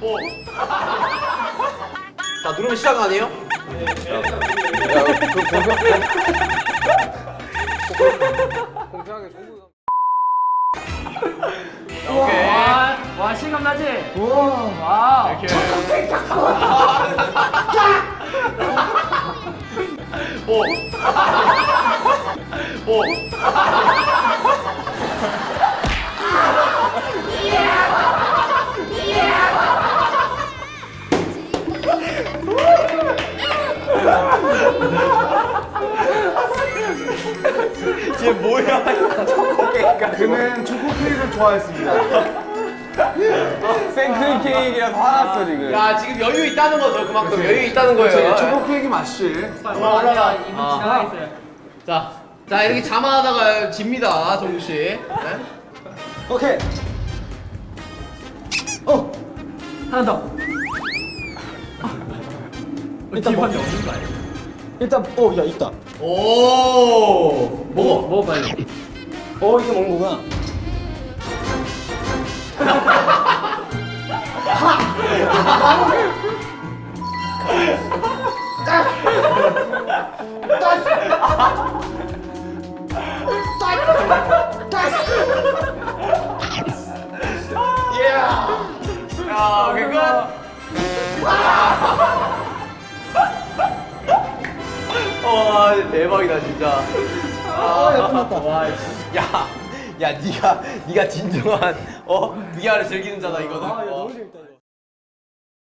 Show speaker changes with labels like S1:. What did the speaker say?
S1: 자, 누르면 시작 아니에요?
S2: 공평하게 정부.
S3: 오케이.
S4: 와 실감 나지?
S3: 와. 이렇게. 오. 오.
S1: 쟤 뭐야?
S2: 그는 초코 케이크를 좋아했습니다. 생크림 케이크라서 화났어 지금.
S1: 야, 지금 여유 있다는 거죠. 그만큼 여유 있다는 거예요.
S2: 초코 케이크 맛이.
S4: 올라가 이분 지나가 있어요.
S1: 자, 이렇게 자만하다가 집니다, 정국 씨. 네?
S2: 오케이.
S4: 하나 더.
S5: 일단 뭐,
S4: 없는 거 아니야?
S5: 일단 야 있다.
S1: 오, 먹어.
S4: 먹어 빨리.
S5: 이거 먹는 거구나.
S1: 야, 오케이 끝. 와, 대박이다 진짜.
S5: 야 끝났다.
S1: 와, 야, 네가 진정한 VR을 즐기는 자다 이거는.
S5: 야 너무 재밌다 이거.